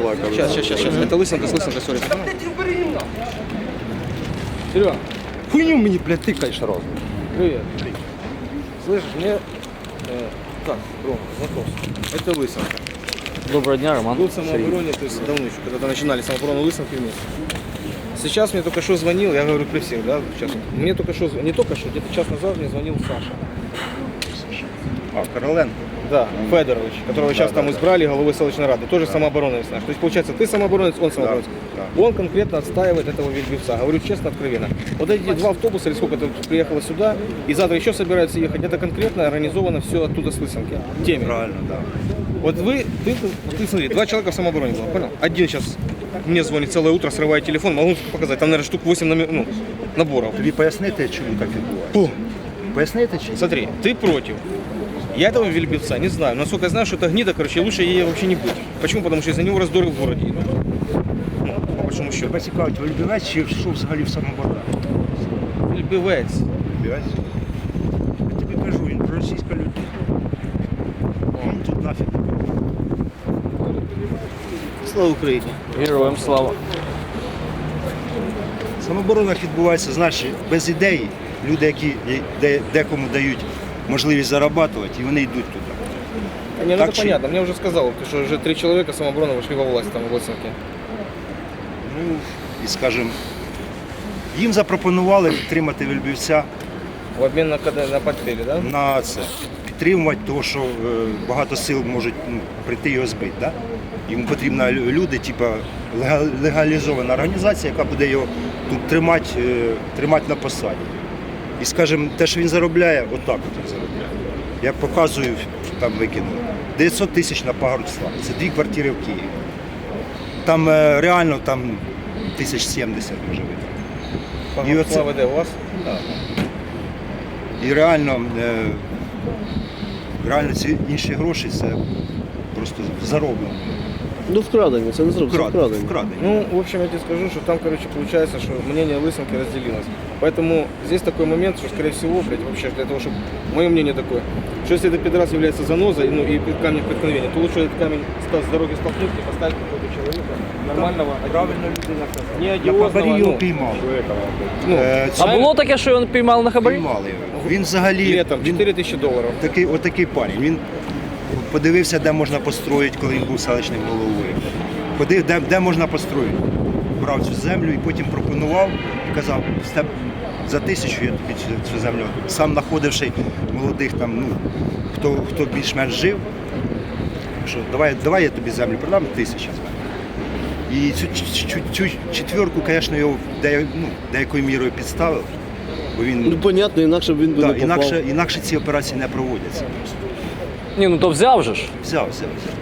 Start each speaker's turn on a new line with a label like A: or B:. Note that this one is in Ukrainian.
A: была, кажется.
B: Сейчас. Это лысинка, сори. Серега, хуйню мне, блядь, тыкаешь сразу. Привет. Слышишь, мне... так, Рома, вопрос. Это лысинка.
C: Доброго дня, Роман.
B: Был в самообороне, то есть давно еще, когда начинали самооборону лысинки вместе. Сейчас мне только что звонил, я говорю при всех, да, сейчас. Мне только что, не только что, где-то час назад мне звонил Саша.
A: А, Короленко.
B: Да, Федорович, которого сейчас там избрали главой селищной рады, тоже самооборонец наш. То есть получается, ты самооборонец, он самооборонец.
A: Да.
B: Он конкретно отстаивает этого вельбивца. Говорю честно, откровенно. Вот эти два автобуса, или сколько-то приехало сюда, и завтра еще собираются ехать, это конкретно организовано все оттуда с Лысинки. Теме.
A: Правильно, да.
B: Вот ты смотри, два человека в самообороне было, понял? Один сейчас мне звонит целое утро, срывает телефон, могу показать, там, наверное, штук 8 наборов.
A: Тобі пояснити, чому так відбувається? Пояснити чи?
B: Смотри, ты против. Я этого вельбивца не знаю. Насколько я знаю, что это гнида, короче, лучше ей вообще не быть. Почему? Потому что из-за него раздоры в городе идут. Ну, по большому счету.
A: Тебе цікавить Вельбівець чи що взагалі в самообороні?
B: Вельбивець.
A: Вельбівець? Я тобі кажу, він проросійська людина. Він тут нафіг.
B: Слава Україні.
C: Героям слава.
A: В самооборонах відбувається, знаєш, без ідеї. Люди, які декому дають можливість зарабатувати, і вони йдуть туди.
B: Не, ну
A: Так
B: это
A: чи-
B: понятно. Мне уже сказал, что уже 3 человека самообороны вошли во власть там в Лысинке.
A: Ну, і скажімо, їм запропонували підтримати Вельбівця
B: В обмен на портфели, да?
A: на це. Підтримувати, тому що багато сил можуть прийти його збити. Да? Йому потрібні люди, типу легалізована організація, яка буде його тут тримати на посаді. І, скажімо, те, що він заробляє, отак от він заробляє. Я показую, там викинув. 900 тисяч на Погородства. Це 2 квартири в Києві. Там реально там 1070 може бути. І оце-
B: Слава, у вас?
A: І реально ці інші гроші це просто зароблено.
D: Ну, вкрадені, це не зробити, вкрадені.
A: Вкрадені.
B: Ну, в общем, я тебе скажу, что там, короче, получается, что мнение Лысинки разделилось. Поэтому здесь такой момент, что, скорее всего, блядь, вообще для того, чтобы... Мое мнение такое, что если этот пидорас является занозой, ну, и камнем преткновения, то лучше этот камень с дороги столкнуть и поставить какого-то человека нормального,
A: Правильно людина
B: не
A: на
B: одиозного,
A: хабарі його
B: ну,
A: піймали.
C: А було таке, що він піймали на хабарі?
A: Піймали його. Він взагалі
B: летом
A: він
B: 4000 долларов.
A: отакий парень. Він подивився, де можна построїти, коли він був селищним головою. Подивив, де можна построїти. Брав цю землю і потім пропонував і казав, за 1000 я тобі цю землю. Сам знаходивши молодих там, ну, хто більш-менш жив, що давай я тобі землю продам, 1000 з мене. І цю четверку, звісно, його деякою мірою підставив. Бо він,
D: Ну, понятно, інакше б він би не попав.
A: інакше ці операції не проводяться.
C: Ні, ну то взяв же ж.
A: Взяв.